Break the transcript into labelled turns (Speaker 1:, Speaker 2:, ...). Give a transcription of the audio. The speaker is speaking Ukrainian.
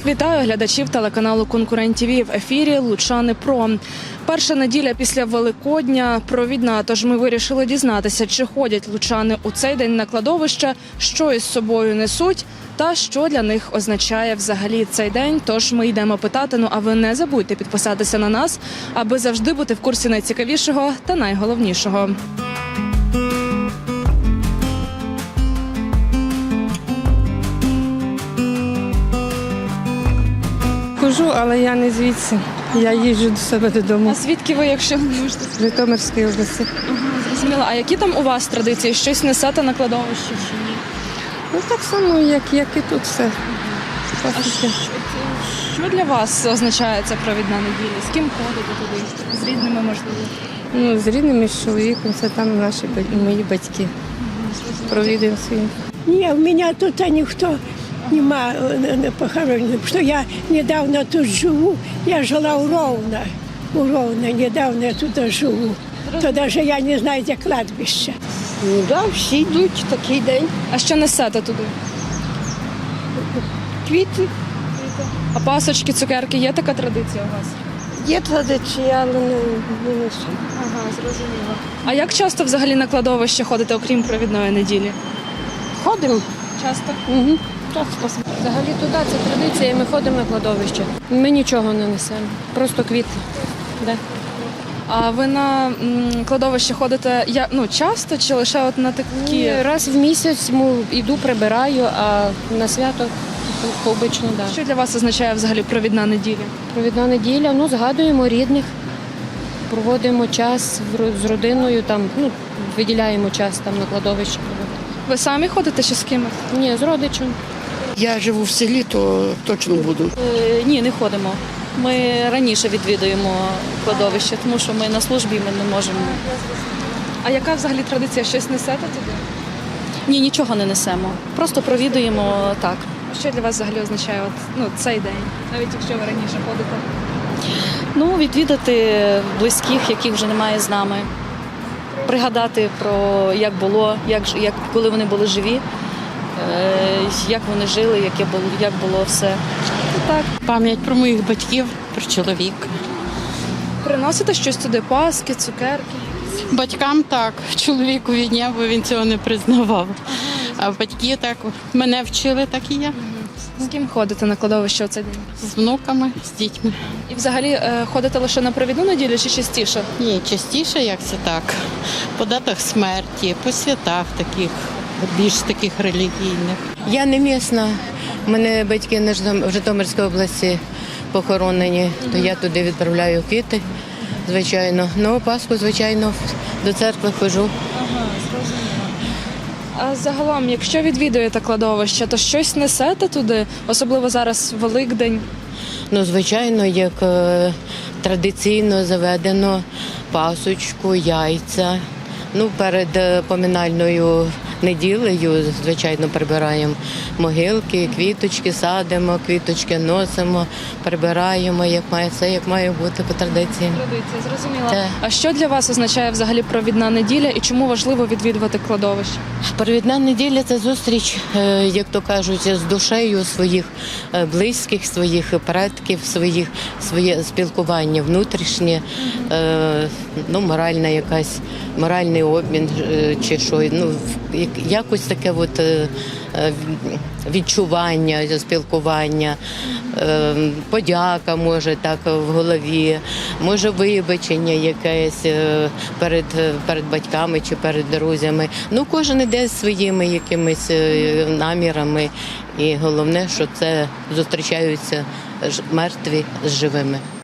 Speaker 1: Вітаю глядачів телеканалу «Конкурент ТВ». В ефірі «Лучани Про». Перша неділя після Великодня провідна, тож ми вирішили дізнатися, чи ходять лучани у цей день на кладовище, що із собою несуть та що для них означає взагалі цей день. Тож ми йдемо питати, а ви не забудьте підписатися на нас, аби завжди бути в курсі найцікавішого та найголовнішого.
Speaker 2: Хожу, але я не звідси. Я їжджу до себе додому.
Speaker 1: А звідки ви, якщо не можете?
Speaker 2: З Житомирської області.
Speaker 1: Зрозуміло. А які там у вас традиції? Щось несете на кладовище чи ні?
Speaker 2: Ну так само, як і тут все.
Speaker 1: Що для вас означає ця провідна неділя? З ким ходите туди? З рідними, можливо?
Speaker 2: Ну, з рідними, з чоловіком, це там мої батьки. Провідуємо своїм.
Speaker 3: Ні, у мене тут никто нема похоронен. Что я недавно тут живу. Я жила у Ровно, недавно я тут живу. То навіть я не знаю, де кладбище.
Speaker 4: Ну так, всі йдуть такий день.
Speaker 1: А що несете туди?
Speaker 4: Квіти.
Speaker 1: А пасочки, цукерки, є така традиція у вас?
Speaker 4: Є традиція, але не несу.
Speaker 1: Ага, зрозуміло. А як часто взагалі на кладовище ходите, окрім провідної неділі?
Speaker 4: Ходимо.
Speaker 1: Часто?
Speaker 4: Угу.
Speaker 5: Взагалі туди це традиція, ми ходимо на кладовище. Ми нічого не несемо, просто квіти. Да.
Speaker 1: А ви на кладовище ходите часто чи лише от на такі?
Speaker 5: І раз в місяць йду, прибираю, а на свято обично, так. Да.
Speaker 1: Що для вас означає взагалі провідна неділя?
Speaker 5: Провідна неділя, згадуємо рідних, проводимо час з родиною, виділяємо час на кладовище.
Speaker 1: Ви самі ходите чи з кимось?
Speaker 5: Ні, з родичем.
Speaker 6: Я живу в селі, то точно буду.
Speaker 7: Ні, не ходимо. Ми раніше відвідуємо кладовище, тому що ми на службі, ми не можемо.
Speaker 1: А яка взагалі традиція? Щось несете туди?
Speaker 7: Ні, нічого не несемо. Просто провідуємо так.
Speaker 1: Що для вас взагалі означає цей день, навіть якщо ви раніше ходите?
Speaker 7: Відвідати близьких, яких вже немає з нами. Пригадати про як було, коли вони були живі, як вони жили, як було все. Так.
Speaker 8: Пам'ять про моїх батьків, про чоловіка.
Speaker 1: Приносите щось туди, паски, цукерки?
Speaker 8: Батькам так, чоловікові ні, бо він цього не признавав. А батьки так, мене вчили, так і я.
Speaker 1: З ким ходите на кладовище у цей день?
Speaker 8: З внуками, з дітьми.
Speaker 1: І взагалі ходите лише на провідну неділю чи частіше?
Speaker 8: Ні, частіше, як це так. По датах смерті, по святах таких, більш таких релігійних.
Speaker 9: Я не місна. У мене батьки в Житомирській області похоронені, то я туди відправляю квіти, звичайно. Пасху, звичайно, до церкви ходжу.
Speaker 1: А загалом, якщо відвідуєте кладовище, то щось несете туди, особливо зараз Великдень?
Speaker 9: Звичайно, як традиційно заведено пасочку, яйця. Перед поминальною неділею, звичайно, прибираємо могилки, квіточки садимо, квіточки носимо, прибираємо, як має бути по традиції.
Speaker 1: Традиція, зрозуміла.
Speaker 9: Так.
Speaker 1: А що для вас означає взагалі провідна неділя і чому важливо відвідувати кладовище?
Speaker 9: Провідна неділя – це зустріч, як то кажуть, з душею своїх близьких, своїх предків, своє спілкування внутрішнє, моральний обмін чи що, якось таке відчування, спілкування, подяка може так в голові, може вибачення якесь перед батьками чи перед друзями. Кожен іде зі своїми якимись намірами і головне, що це зустрічаються мертві з живими.